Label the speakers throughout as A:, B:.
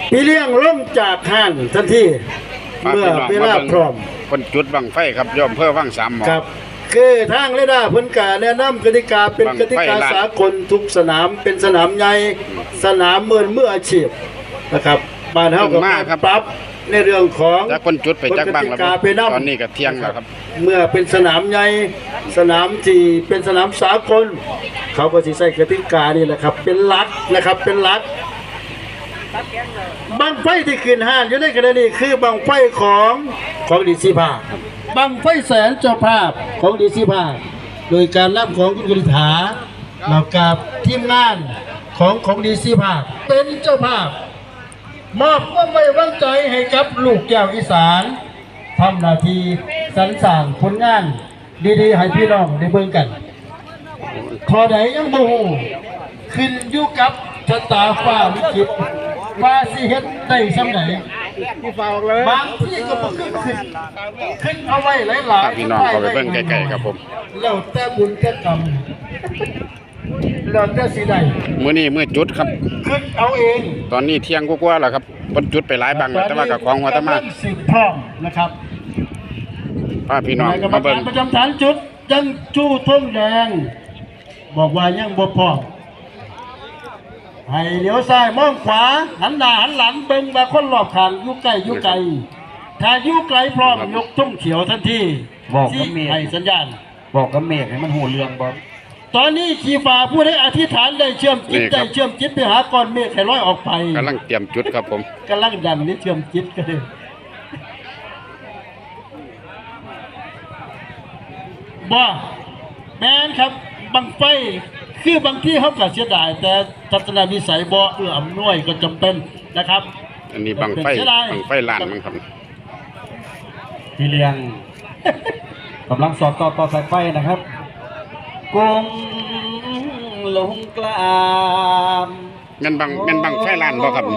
A: พี่เลี้ยงล้มจากห้างทันทีเมื่อเวลาพร้อม
B: คนจุดบังไฟครับย่อมเพื่อว่างสามหมอ
A: ครับคือทางเรดาร์พ้นกาแนะนำกติกาเป็นกติกาสากลทุกสนามเป็นสนามใหญ่สนามมืออาชีพนะครับบ้านเฮาก็ปรับในเรื่องของ
B: จากคนจุดไปจากบังแล้วตอนนี้ก็เที่ยงแล้วครับ
A: เมื่อเป็นสนามใหญ่สนามที่เป็นสนามสากลเขาก็สิใช้กติกานี่แหละครับเป็นหลักนะครับเป็นหลักบังไฟที่ขึ้นห้างอยู่ในขณะนี้คือบังไฟของดีซีภาคบังไฟแสนเจ้าภาพของดีซีภาคโดยการรับของคุณกฤษฐาแล้วกับทีมงานของดีซีภาคเป็นเจ้าภาพมอบความไว้วางใจให้กับลูกแก้วอีสานทำหน้าที่สรรสร้างผลงานดีๆให้พี่น้องได้เบิ่งกันขอใดยังบ่ฮู้ขึ้นอยู่กับชะตาฟ้าลิขิตว่าสิเฮ็ดได้ซำไหนบางที่ก็บ่ขึ้นเอาไว้หลายๆ
B: พี่น้องเขาไปเบิ่งใกล้ๆครับผม
A: แล้วแต่บุญแต่กรรมแล้วแต่สิได้
B: มื้อจุดครับ
A: ขึ้นเอาเอง
B: ตอนนี้เที่ยงกว่าๆแล้วครับเพิ่นจุดไปหลายบังแล้วแต่ว่ากับของหัวตะมา
A: สิบพร้อมนะครับ
B: พาพี่น้องมาเบิ่ง
A: ประจำฐานจุดยังจู้ทุ่งแดงบอกว่ายังบ่พร้อมให้เลี้ยวซ้ายมองขวาหันหน้าหันหลังเบิ่งว่าคนรอบข้างอยู่ใกล้ถ้าอยู่ไกลพร้อมยกทุ่งเขียวทันที
C: บอกกับเมฆ
A: ให้สัญญาณ
C: บอกกับเมฆให้มันหูเรื่องบอก
A: ตอนนี้ขี่ฟ้าผู้ใดอธิษฐานได้เชื่อมจิตไปหาก้อนเมฆให้ลอยออกไป
B: กำลังเตรียมจุดครับผม
A: กำลังดันนี่เชื่อมจิตกันเลยบ่แม่นครับบังไฟคือบางที่เขาก็เสียดายแต่ทัศนวิสัยบ่เอื้ออำนวยก็จำเป็นนะครับ
B: อันนี้บังไฟลานมันครับ
C: พี่เลี้ยงกำลังสอดต่อสายไฟนะครับกงลงกลาม
B: เงินบังไฟลานบ่ครับ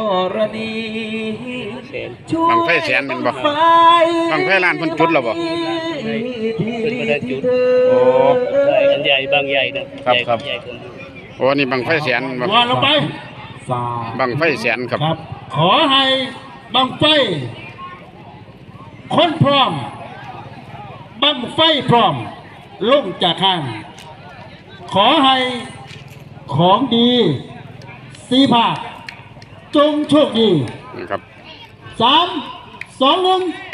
B: บังไฟแสนเป็นบ่บังไฟลานเพิ่นจุดแล้วบ่
D: เป็นบ่ได้จุด
B: โอ้
D: อันใหญ่บางใหญ่นะครับ
B: โอ้นี่บังไฟแสนบ่
A: ว่าลงไป
B: บังไฟแสนครับ
A: ขอให้บังไฟคนพร้อมบังไฟพร้อมลงจากข้างขอให้ของดีสีภาคจงโชคดี
B: นะครับ
A: 3 2 1ไป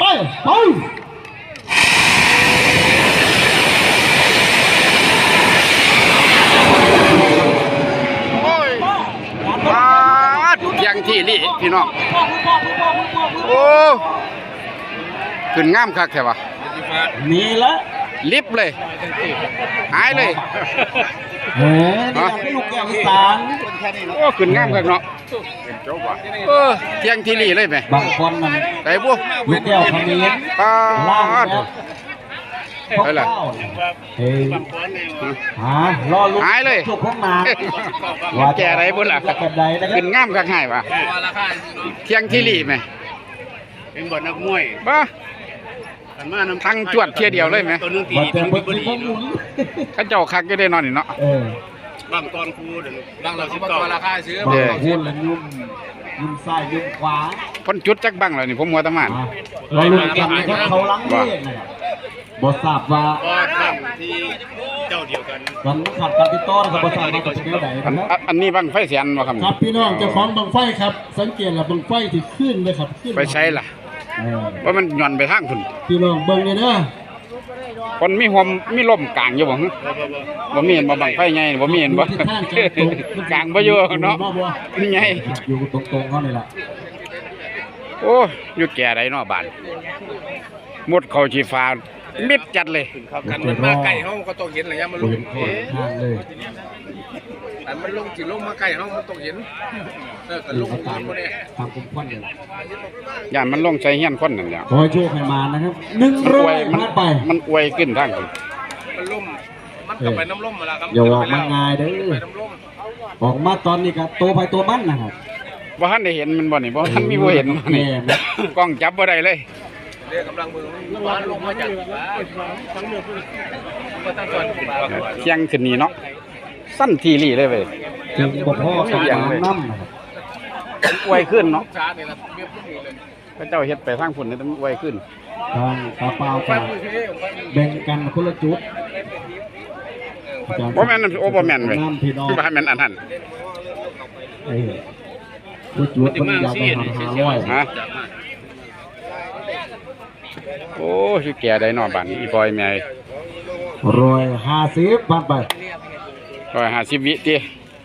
B: ยังที่นี่พี่น้องโอ้ขึ้นงามคักแท้วะ
A: มีละ
B: ลิบเลยหายเลย
A: นี่ลูกแก้วอีสาน
B: โอ้ขึ้นงามคักเนาะเที่ยงที่นี่เลยไหม
C: บางคนมัน
B: ไก่บัว
C: ลูกแก้วขมิ้นล่าง
B: ไปเลย
C: รอลูก
B: หายเลย
C: ถูกพ้องมา
B: ว่าแก่ไรบุญล่ะขึ้นงามคักหายวะเที่ยงที่นี่ไหม
D: เป็นบ่อนักมวย
B: บ้าทั้งจวดเที่ยเดียวเลยไหมข้าเจ้าคักก็ได้นอนนี่เนาะ
D: บางตอนครูบางเราสิบต่อราคาซื้อบ
C: างพูดแล้วยุ่มซ้ายยุ่มขวา
B: พ้นจุดจักบังเลยนี่ผมมัวตะมาน
C: เราลุ้นกันนะครับเขาล้างเล่บทราบว่า
D: ที่เจ้าเดียวกัน
C: มันขัดกันติดต่อนะครับบทราบว่าจะเป็นยังไง
B: อันนี้บังไฟเสียนวะครับ
A: ครับพี่น้องเจ้าของบังไฟครับสังเกตละบังไฟที่ขึ้นเลยครับ
B: ไปใช้ล่ะว่ามันหย่อนไปทางคุณ
A: พี่น้องเบิ่งเลยนะ
B: คนมีหัวมีลมกลางอยู่บ่บ่มีเห็นบ่บังไฟไงบ่มีเห็นบ่กลางบ่อยู่เนาะนี่ไง
C: อยู่ตรงๆเขานี่แหละ
B: โอ้อยู่แก่ใดเนาะบ้านหมดเขาชีฟ้ามิดจัดเลย
D: กันมันมาใกล้ห้องก็ต้องเห็นอะไรมันลงแต่มันลงจิลงมาใกล้ห้องมันต้องเห็นกันลงตาม
C: ตามคุ้มควันเนี่ย
B: ย่านมันลงใจเฮี้ยนคนนั่นแหละ
C: คอยช่วยใครมานะครับ100
B: มันไปมันอวยขึ้นทาง
D: มันล่มมันกลับไปน้ำล่มมาแล้วครับ
C: อย่าออกมาง่ายเด้อออกมาตอนนี้ครับตัวไปตัวมันนะครับ
B: บ่ทันได้เห็นมันบ่นี่บ่ทันมีบ่เห็นนี่กล้องจับบ่ได้เลย
D: เรียกกำลังมือมันลงมาจาก
B: เที่ยงขึ้นนี่เนาะสั้นทีรี่เลยเว้ย
C: ถึงบ่พอกับน้ำนะครับ
B: อวยขึ้นเนาะ
D: ช้าเนี่ยละเบียบพวกนี้เลย
B: พระเจ้าเฮ็ดไปทางพุ่นนี่ต้องอวยขึ้น
C: ทางตาเปล่า
D: ฟั
C: กั
D: น
C: น
D: มือเท่ผมฟัน
C: แบ่งกันคนละจุด
B: บ่แม่นโอ้บ่แม่นเว้ย
C: น้ำพี่น้อง
B: บ่ให้แม่นอันนั้น
C: จุดคนอยากไปหา500
B: ฮะโอ้สิแก่ได้เนาะบัดนี้อีปอยแม่
C: 150ผ่านไป
B: 150วิติ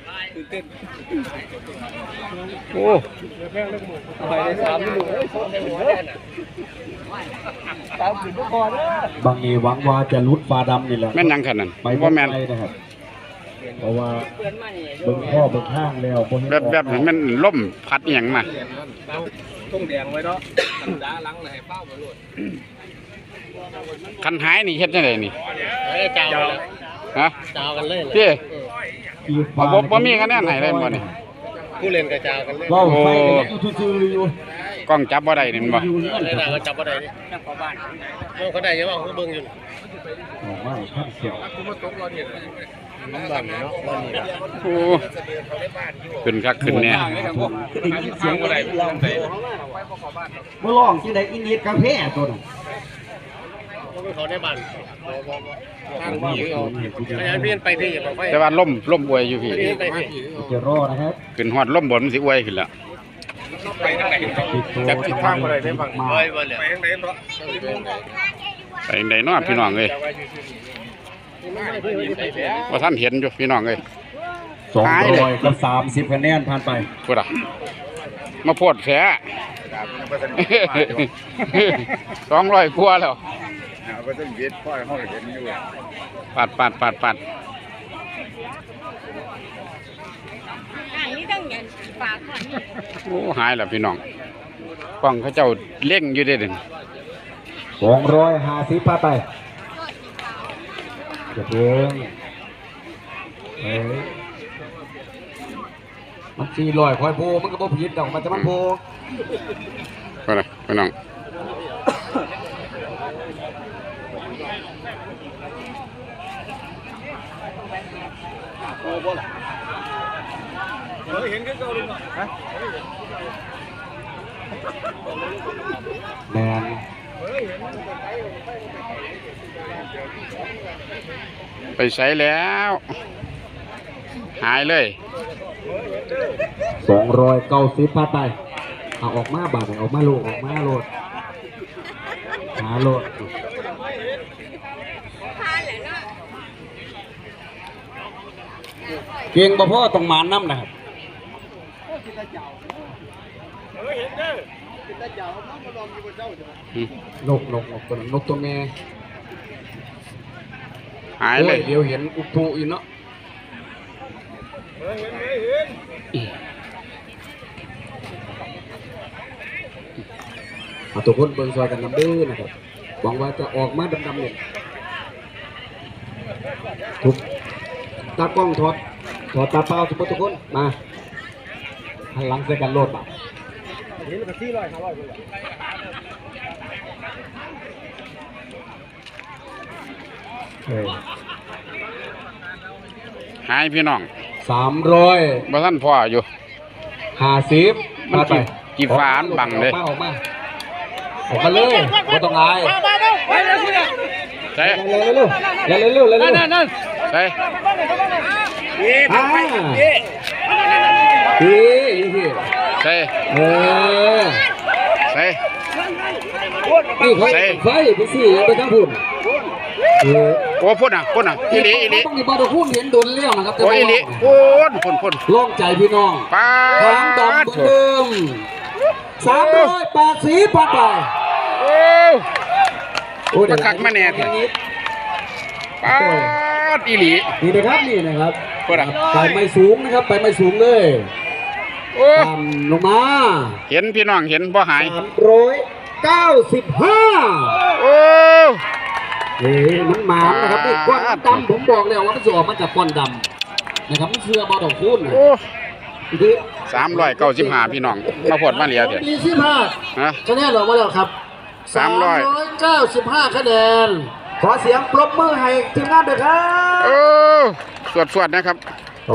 B: โอ้
D: ไปได้3ลูกเอ้ยโคตรได้หัวแน่น่ะตามขึ้นทุกคนเด้อบ
C: างนี้หวังว่าจะลุดฟ้าดำนี่แหละ
B: แม่นหยังขนาดนั้น
C: ไป
B: บ่แม่น
C: ไปนะครับเพราะว่าเบิ่งพ่อเบิ่งข้างแล้วบ่เห็น
B: แบบนี้มันล่มพัดอีหยังมา
D: ต้องแดงไว้เนาะธรรมดาหลังเลยให้เป้าไปโลด
B: คันหายนี่เฮ็ดจังได๋นี่
D: เอ้ยเจ้าเลย
B: ฮะ
D: เจ้ากันเลย
B: เจ้
C: อีก
B: บ่มีคะแนนให้ได้บ่นี่
D: ผู้เล่นกับเจ้ากันเลย
C: เว้าไปกันซื่อๆอยู่
B: กล้องจับบ่ได้นี่แม่นบ่
C: อยู่นั่น
D: เลยน่ะก็จับบ่ได้นี่เข้าบ้านเขาได้ยังว่าเขาเบิ่งอยู่
C: ออกมาข้างเสียว
D: คุณมาตกรอเนี่ยมันบ้านเนาะบ้านนี้
B: โอ้ขึ้นคักขึ้นแน่
C: ได้ยินเสียงอะไรร้องบ่ร้องจังได๋อินดีดกาแฟตัวนั้น
D: เขาในบ้านทางผีเขาพยายามเปลี่ยนไปที่อย่าไป
B: แต่ว่าล่มอวยอยู่พี่
D: เปลี่ยนไปที่
C: จะรอนะครับ
B: ขึ้นฮอดล่มบนมันสิอวยขึ้นแล้ว
D: ไปทางไหนจับทิศทางอะไรได้บ้างไปบ่เลยไปทางไหนเนาะ
B: ไปจังไดเนาะพี่น้องเอ้ยว่าท่านเห็นอยู่พี่น้องเอ้ย
C: 200กับ30คะแนนผ่านไป
B: พูดอ่ะมาโพดแส200กว่าแล้ว
E: เอาไปต้นเวียดพ่อเขาเห็นอยู่
B: ปัด
F: นี่ต้องเงินฝากก่อน
B: โอ้หายแล้วพี่น้องกล้องเขาเจ้าเล่งอยู่เด้อเด่น
C: 250ผ่านไปจะเพิ่งมัน400ค่อยโพมันก็บ่ผิดดอกมันจะมันโพ
B: พูดอ่ะพี่น้อง
D: เห็นก็เก่าเลยฮะ
C: แมน
B: ไปใช้แล้ว หายเลย
C: 290ผ่านไปเอาออกมาบาดออกมาโลดหาโลด
F: ทานแหละเนาะ
C: เก่งบ่พ่อต้องมานน้ำนะครับนกตัวนั้นนกตัวแม่
B: หายเลย
C: โอ้เดี๋ยวเห็นอุปุอีกเนาะเอาทุกคนเบิ่งซอยกันนำเด้อนะครับหวังว่าจะออกมาดำๆเนี่ยทุกตากล้องถอดตาเปล่าทุกคนมาหันหลังใส่กันโลดมาเฮ้ย
B: หายพี่น้อง
C: 300
B: บ่ท่านพ่ออยู่
C: 50
B: มัน
C: มาไป
B: กี่ฟ้าอันบังเลย
C: ออกมาเลยไม่ต้องอาย
B: ใช่
C: เร็วนั่น
B: ใช่
C: พี่
B: ใช่
C: เออ
B: ใช่
C: นี่เขาไฟไปสิไปทั้งพุ่น
B: โอ้พ่นอ่ะอีหลี
C: ต้องมีบอลพุ่นเห็นโดนเลี้ยวนะครับ
B: โอ้อีหลีพ่น
C: ล่องใจพี่น้อง
B: ป้า
C: ทางดำเดิม380ผ่านไป
B: โอ้มาคักมาแน่ทีป้าอีหลี
C: นี่นะครับ
B: พ่นอ่ะ
C: ไปไม่สูงนะครับไปไม่สูงเลย
B: โอ้
C: ต่ำลงมา
B: เห็นพี่น้องเห็นบ่หาย
C: 395
B: โอ้
C: มันหมามนะครับนี่ก้อนดำผมบอกแล้วว่ามันจะออกมาจากก้อนดำนะครับมันเชื่อบอลดอกคูณ
B: โอ้395พี่น้องมาพดมาเหลียเถอะ
A: ดีสิบห้า
B: ฮะ
A: คะแนนออกมาแล้วครับ 395 คะแนน
C: ขอเสียงปรบมือให้ทีมงานด้วยครับ
B: โอ้สวดนะครับ